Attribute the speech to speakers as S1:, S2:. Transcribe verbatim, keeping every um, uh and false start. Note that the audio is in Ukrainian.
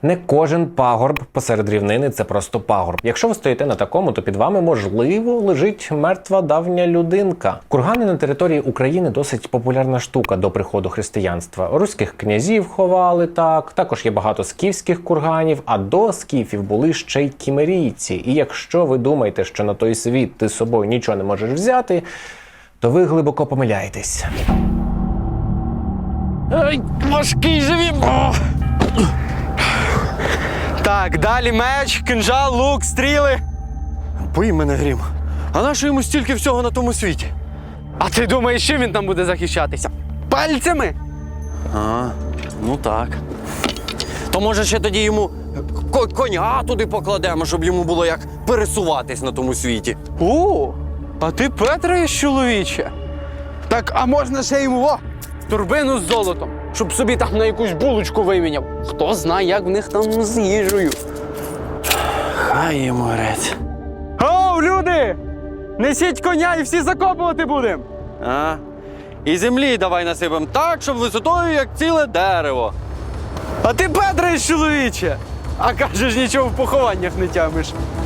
S1: Не кожен пагорб посеред рівнини – це просто пагорб. Якщо ви стоїте на такому, то під вами, можливо, лежить мертва давня людинка. Кургани на території України досить популярна штука до приходу християнства. Руських князів ховали так, також є багато скіфських курганів, а до скіфів були ще й кімерійці. І якщо ви думаєте, що на той світ ти з собою нічого не можеш взяти, то ви глибоко помиляєтесь.
S2: Ай, важкий живі! Так, далі меч, кинжал, лук, стріли.
S3: Бий мене, Грім. А нащо йому стільки всього на тому світі?
S2: А ти думаєш, чим він там буде захищатися? Пальцями?
S3: А, ну так. То може ще тоді йому ко- коня туди покладемо, щоб йому було як пересуватись на тому світі.
S2: О, а ти Петраєш, чоловіче? Так, а можна ще йому о, турбину з золотом, щоб собі там на якусь булочку виміняв. Хто знає, як в них там з їжею.
S3: Хай йому грець.
S2: Оу, люди! Несіть коня і всі закопувати будемо!
S3: А? І землі давай насипем так, щоб висотою, як ціле дерево.
S2: А ти Петраєш, чоловіче! А кажеш, нічого в похованнях не тямиш.